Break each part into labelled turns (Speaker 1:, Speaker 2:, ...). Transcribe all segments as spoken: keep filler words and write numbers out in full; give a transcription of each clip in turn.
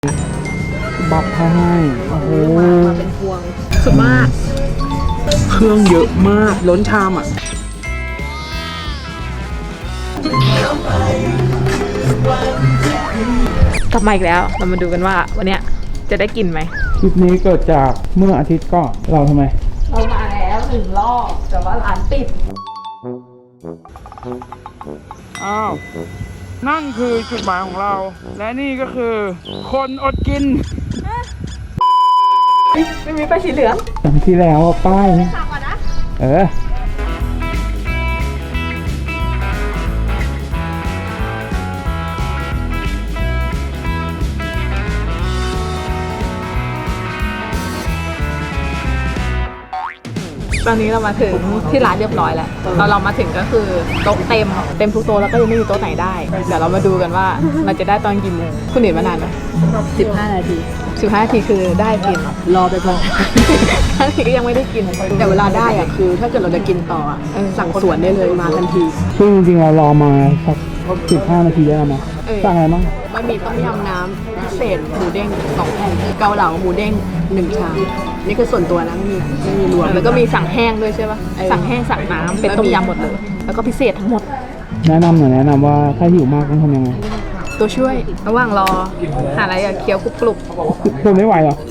Speaker 1: บับให้โอ้โห
Speaker 2: มาเป็นพวงสุดมาก
Speaker 1: เครื่องเยอะมากล้นชามอ่ะ
Speaker 2: กลับมาอีกแล้วเรามาดูกันว่าวันนี้จะได้กินไหม
Speaker 1: คลิปนี้เกิดจากเมื่ออาทิตย์ก็เราทำไม
Speaker 2: เรามาแล้วหนึ่งรอบแต่ว่าร้านปิด
Speaker 1: อ้าวนั่นคือจุดหมายของเราและนี่ก็คือคนอดกิน
Speaker 2: ไม่มีป้ายสีเหลือง
Speaker 1: จำที่แล้วป้ายนะเออ
Speaker 2: ตอนนี้เรามาถึงที่ร้านเรียบร้อยแล้วตอนเรามาถึงก็คือโต๊ะเต็มเต็มทุกโต๊ะแล้วก็ยังไม่มีโต๊ะไหนได้เดี๋ยวเรามาดูกันว่าเราจะได้ตอนกี่โมงคุณเห็นมานานไหมสิบห้านาทีสิบห้านาทีคือได้กินรอไปก่อนทันทีก็ยังไม่ได้กินแต่เวลาได้อะคือถ้าเกิดเราจะกินต่อสั่งสวนได้เลยมาทันที
Speaker 1: ซึ่งจริงๆเรารอมาสักสิบห้านาทีได้แล้วมั้ยสั่งอะไรบ้าง
Speaker 2: บะหมี่ต้มยำน้ำพิเศษหมูเด้งสองแผ่นเกาเหลาหมูเด้งหนึ่งชามนี่คือส่วนตัวนะไม่มีไม่มีรวมแล้วก็มีสั่งแห้งด้วยใช่ปะสั่งแห้งสั่งน้ำเป็นต้มยำหมดเลยแล้วก็พิเศษทั้งหมด
Speaker 1: แนะนำหน่อยแนะนำว่าถ้าหิวมากต้องทำยังไง
Speaker 2: ตัวช่วยระหว่างรอหาอะไรอะเคี้ยวกรุบกรุบ
Speaker 1: ทนไม่ไหวหรอ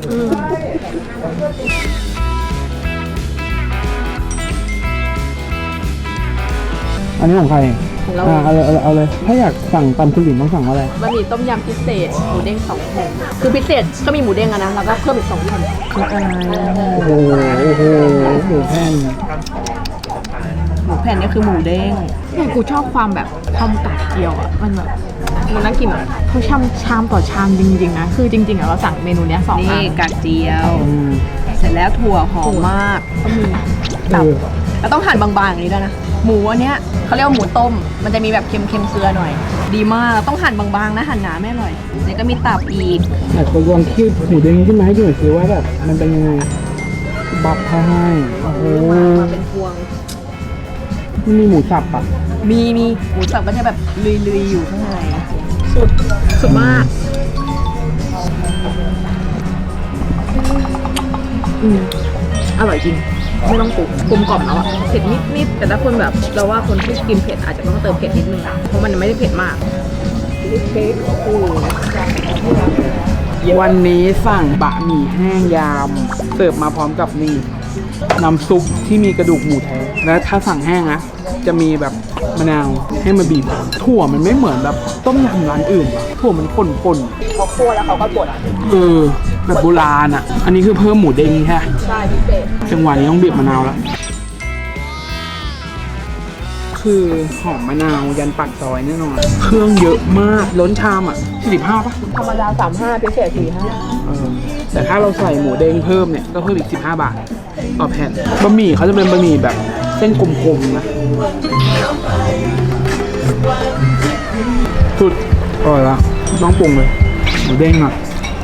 Speaker 1: อันนี้ของใครอ่าเอาเลยเอาเลยถ้าอยากสั่งตำคุณหลินต้องสั่งอะไร
Speaker 2: บะหมี่ต้มยำพิเศษหมูเด้งสองแผ่นคือพิเศษก็มีหมูเด้งอะนะแล้วก็เพิ่มอีกสองแผ่น
Speaker 1: โอ้โหโอ้โหหมูแผ่น
Speaker 2: หมูแผ่นนี่คือหมูเด้งเนี่ยกูชอบความแบบความกัดเกี๊ยวอะมันแบบมันน่ากินอ่ะเขาชามชามต่อชามจริงๆนะคือจริงๆอะเราสั่งเมนูเนี้ยสองอันนี่กัดเจียวเสร็จแล้วถั่วหอมมากก็มีแบบแล้วต้องหั่นบางๆอย่างนี้ด้วยนะหมูอันเนี้ยเขาเรียกว่าหมูต้มมันจะมีแบบเค็มๆเกลือหน่อยดีมากต้องหั่นบางๆนะหั่นหนาไม่อร่อยแล้วก็มีตับอีก
Speaker 1: อยากจะลองคิดหมูเด้งขึ้นมาให้ดูหน่อยสิว่าแบบมันเป็นยังไงบับให้โอ้โห
Speaker 2: มาเป็นพวง
Speaker 1: มันมีหมูสับปะ
Speaker 2: มีมีหมูสับก็จะแบบลุยๆอยู่ข้างในสุดสุดมากอืมอร่อยจริงไม่ต้องปรุงกลมกล่อมแล้วอะเผ็ดนิดๆแต่ถ้าคนแบบเราว่าคนที่กินเผ็ดอาจจะต้องเติมเผ็ดนิดนึงเพราะมันไม่ได้เผ็ดมากเค้กโอ้
Speaker 1: วันนี้สั่งบะหมี่แห้งยำเสิร์ฟมาพร้อมกับนี่น้ำซุปที่มีกระดูกหมูแท้และถ้าสั่งแห้งนะจะมีแบบมะนาวให้มาบีบถั่วมันไม่เหมือนแบบต้มยำร้านอื่นถั่วมันป่นๆ
Speaker 2: เขาคั่วแล้วเขาก็บด
Speaker 1: เออแบบโบราณอ่ะอันนี้คือเพิ่มหมูเด้งแค่
Speaker 2: ใช่พิเศษ
Speaker 1: จังหวะนี้ต้องบีบมะนาวแล้วคือหอมมะนาวยันปากซอยแน่นอนเครื่องเยอะมากล้นชามอ่ะสี่สิบห้าป่ะ
Speaker 2: ธรรมดาสามห้าพิเศษสี่ห้า
Speaker 1: เออแต่ถ้าเราใส่หมูเด้งเพิ่มเนี่ยก็เพิ่มอีกสิบห้าบาทต่อแผ่นบะหมี่เขาจะเป็นบะหมี่แบบเส้นกลมๆนะสุดอร่อยละต้องปรุงเลยหมูเด้งอ่ะ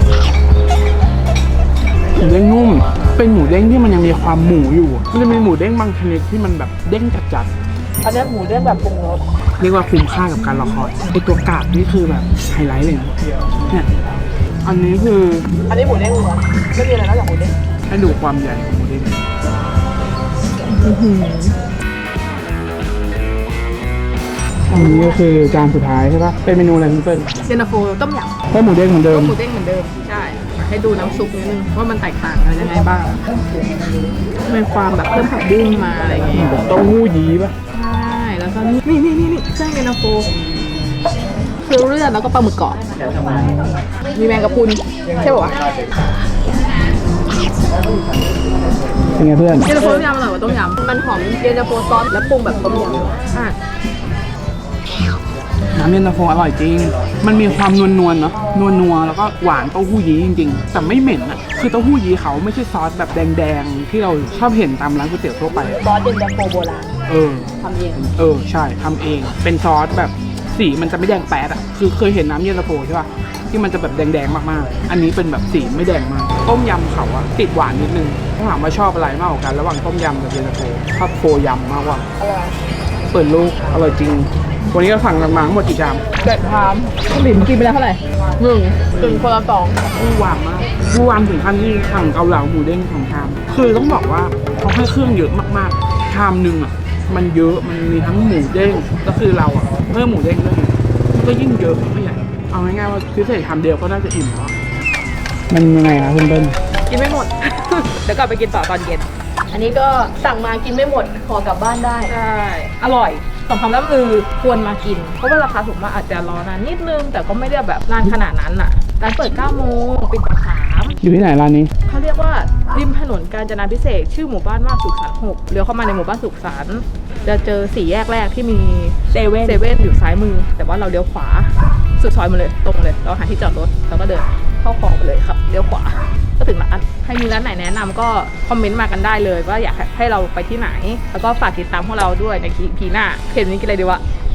Speaker 1: หมูเด้งนุ่มเป็นหมูเด้งที่มันยังมีความหมูอยู่มันจะมีหมูเด้งบางชนิดที่มันแบบเด้งจัด
Speaker 2: ๆอันนี้หมูเด้งแบบปรุงรส
Speaker 1: เรียกว่าคุ้มค่ากับการรอคอยไอตัวกาบนี่คือแบบไฮไลท์เลยนะเนี่ยอันนี้คือ
Speaker 2: อันนี้หมูเด้งล้วนไม่มีอะไรนอกจากหมูเด้ง
Speaker 1: ให้ดูความใหญ่ของหมูเด้งอันนี้ก็คือจานสุดท้ายใช่ปะเป็นเมนูอะไรคุณเปิ้ล
Speaker 2: เย็นตาโฟต้มยำ
Speaker 1: ให้หมูเด้งเหมือนเดิม
Speaker 2: หมูเด้งเหมือนเดิมใช่ให้ดูน้ำซุปนิดนึงว่ามันแตกต่างอะไรยังไงบ้างมีความแบบเพิ่มผักบุ้งมาอะไรอย่างเงี้ย
Speaker 1: เต้าหู้ยี้ปะ
Speaker 2: ใช่แล้วก็นี่นี่นี่นี่เครื่องเย็นตาโฟเคือเลือดแล้วก็ปลาหมึกกรอบมีแมงกะพรุนใช่ป่ะ
Speaker 1: เป็นไงเพื่อน
Speaker 2: เย็นตาโฟต้มยำอร่อยกว่าต้มยำมันหอมเย็นตาโฟซอสแล้วปรุงแบบต้มยำใช่
Speaker 1: น้ำเย็นตาโฟอร่อยจริงมันมีความนวลนวลเนาะนวลนัวแล้วก็หวานเต้าหู้ยี้จริงๆแต่ไม่เหม็นอะคือเต้าหู้ยี้เขาไม่ใช่ซอสแบบแดงๆที่เราชอบเห็นตามร้านก๋วยเตี๋ยวทั่วไป
Speaker 2: ซอสเย็นตาโฟโบราณ
Speaker 1: เออ
Speaker 2: ทำเอง
Speaker 1: เออใช่ทำเองเป็นซอสแบบสีมันจะไม่แดงแป๊ดอะคือเคยเห็นน้ำเย็นตาโฟใช่ป่ะที่มันจะแบบแดงๆมากๆอันนี้เป็นแบบสีไม่แดงมากต้มยำเขาอะติดหวานนิดนึงถ้าถามว่าชอบอะไรมากกว่ากันระหว่างต้มยำกับเย็นตาโฟชอบโฟยำมากกว่า
Speaker 2: อร่อย
Speaker 1: เปิดลูกอร่อยจริง วันนี้ก็สั่งกันมาทั้งหมดกี่ชาม
Speaker 2: เจ็ดชามหลินกินไปแล้วเท่าไหร่หนึ่งถึงคนละสอง
Speaker 1: ผู้วางมากผู้วางถึงขั้นที่สั่งเกาเหลาหมูเด้งสองชาม คือต้องบอกว่าเขาให้เครื่องเยอะมากๆ ชามหนึ่งอ่ะ มันเยอะ มันมีทั้งหมูเด้ง ก็คือเราอ่ะเพิ่มหมูเด้งด้วยไงก็ยิ่งเยอะไม่ใหญ่ เอาง่ายๆว่าพิเศษชามเดียวก็น่าจะอิ่มแล้วอะมันยังไงครับคุณเบิ้ล
Speaker 2: กินไม่หมด เดี๋ยวกลับไปกินต่อตอนเย็น อันนี้ก็สั่งมากินไม่หมดขอกลับบ้านได้ใช่อร่อยสมคำล่ำลือควรมากิน เพราะว่าราคาถูกมากอาจจะรอนานนิดนึง แต่ก็ไม่ได้แบบนานขนาดนั้นอ่ะร้านเปิดเก้าโมงปิดบ่ายสาม
Speaker 1: อยู่ที่ไหนร้านนี้
Speaker 2: เขาเรียกว่าริมถนนกาญจนาภิเษกชื่อหมู่บ้านว่าสุขสันต์หกเลี้ยวเข้ามาในหมู่บ้านสุขสันต์จะเจอสี่แยกแรกที่มีเซเว่นเซเว่นอยู่ซ้ายมือ แต่ว่าเราเลี้ยวขวาสุดซอยมาเลยตรงเลยเราหาที่จอดรถแล้วก็เดินเข้าคลองไปเลยครับเลี้ยวขวาก็ถึงร้านใครมีร้านไหนแนะนำก็คอมเมนต์มากันได้เลยว่าอยากให้เราไปที่ไหน แล้วก็ฝากติดตามพวกเราด้วยในคลิปหน้าเพจนี้กินอะไรดีวะ